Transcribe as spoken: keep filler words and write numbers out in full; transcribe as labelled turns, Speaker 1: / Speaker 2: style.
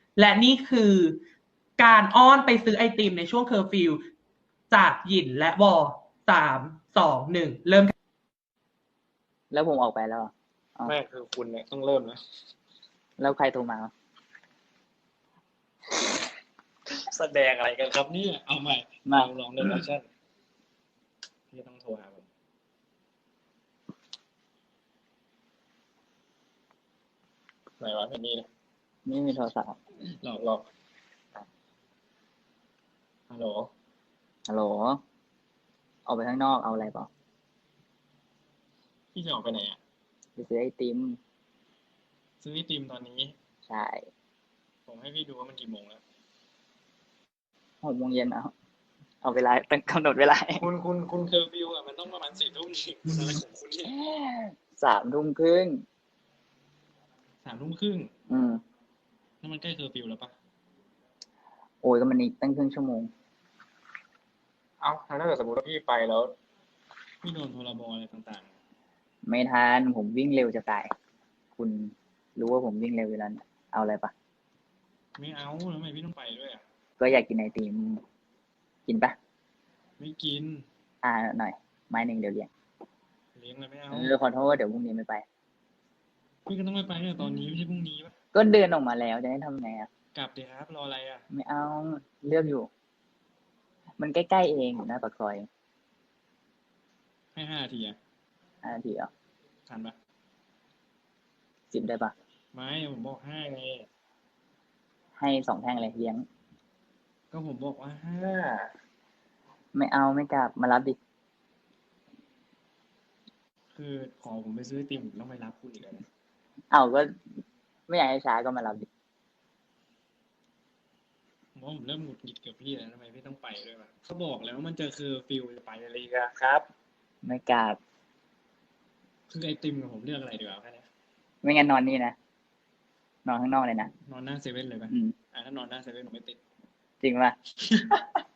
Speaker 1: และนี่คือการอ้อนไปซื้อไอติมในช่วงเคอร์ฟิวจากหยินและวอสามสองหนึ่งเริ่ม
Speaker 2: แล้วผมออกไปแล้วอะอ๋อ
Speaker 3: ไม่คือคุณเนี่ยต้องเริ่มนะ
Speaker 2: แล้วใครโทรมา
Speaker 3: แสดงอะไรกันครับเนี่ยเอาใหม่
Speaker 2: มา
Speaker 3: ลองลองเล่นแอคชั่นพี่ต้องโทรหาผมไหนวะไม่มีเลย
Speaker 2: ไม่มีโทรศัพท์
Speaker 3: หลอกหลอกฮัลโหล
Speaker 2: ฮัลโหลออกไปข้างนอกเอาอะไรเปล่า
Speaker 3: พี่จะออกไปไหนอ่ะ
Speaker 2: ไปซื้อไอติม
Speaker 3: ซื้อไอติมตอนนี้
Speaker 2: ใช่
Speaker 3: ผมให้พี่ดูว่ามันกี่โมงแล้ว
Speaker 2: หกโมงเย็นเอาเอาเวลาตั้งกำหนดเวลา
Speaker 3: คุณคุณคุณเคอร์ฟิวอ่ะมันต้องประมาณสี่ทุ่มสิคุณอะไรของคุณเนี่ย
Speaker 2: สามทุ่มครึ่ง
Speaker 3: สามทุ่มครึ่ง
Speaker 2: อืม
Speaker 3: นั่นมันใกล้เคอร์ฟิวแล้วปะ
Speaker 2: โอ้ยก็มันอีกตั้งครึ่งชั่วโมง
Speaker 3: เอ้าถ้าเกิดสมมติว่าพี่ไปแล้วพี่โดนพรบอะไรต่าง
Speaker 2: ไม่ทันผมวิ่งเร็วจะตาย คุณรู้ว่าผมวิ่งเร็วอยู่แล้วนะเอาอะไรปะ
Speaker 3: ๆไม่เอาทำไมพี่ต้องไปด้วยอ่ะ
Speaker 2: ก็อยากกินไอติม กินปะ
Speaker 3: ไม่กิน
Speaker 2: อ่าหน่อย ไม้หนึ่งเดี๋ยวเลี้ยง
Speaker 3: เลี้ยงอะไรไม่เอา
Speaker 2: เออขอโทษเดี๋ยวพรุ่งนี้ไม่ไป
Speaker 3: พี่ก็ต้องไปไปเนี่ยตอนนี้ไม่ใช่พรุ่งนี้ปะ
Speaker 2: ก็เดินออกมาแล้วจะให้ทำไงอ่ะ
Speaker 3: กลับเดี๋ยวครับรออะไรอ่ะ
Speaker 2: ไม่เอาเลือกอยู่ มันใกล้ๆเองอยู่หน้าปากซอย
Speaker 3: ให้ห้านาทีอ่ะ
Speaker 2: ห้านาทีเหรอ่ะ
Speaker 3: ทันปะ
Speaker 2: สิบได้ปะ
Speaker 3: ไม่ผมบอกห้าไง
Speaker 2: ให้สองแท่งเลยเลี้ยง
Speaker 3: ก็ผมบอกว่าห้า
Speaker 2: ไม่เอาไม่กลับมารับดิ
Speaker 3: คือขอผมไปซื้อไอติมผมต้องไปรับคุณอีกแล้วนะ
Speaker 2: เอาก็ไม่อยากให้ช้าก็มารับดิ
Speaker 3: ผมว่าผมเริ่มหงุดหงิดกับพี่แล้วทำไมพี่ต้องไปด้วยวะเขาบอกแล้วว่ามันเจอคือฟิลจะไปอะไรกันครับ
Speaker 2: ไม่กลับ
Speaker 3: คือไอติมกับผมเลือกอะไรดีกว่าแค่นี้
Speaker 2: ไม่งั้นนอนนี่นะนอนข้างนอกเลยนะ
Speaker 3: นอนหน้าเซเว่นเลยไหม
Speaker 2: อืม
Speaker 3: อ่ะถ้านอนหน้าเซเว่นผมไม่ติด
Speaker 2: จริงป่ะ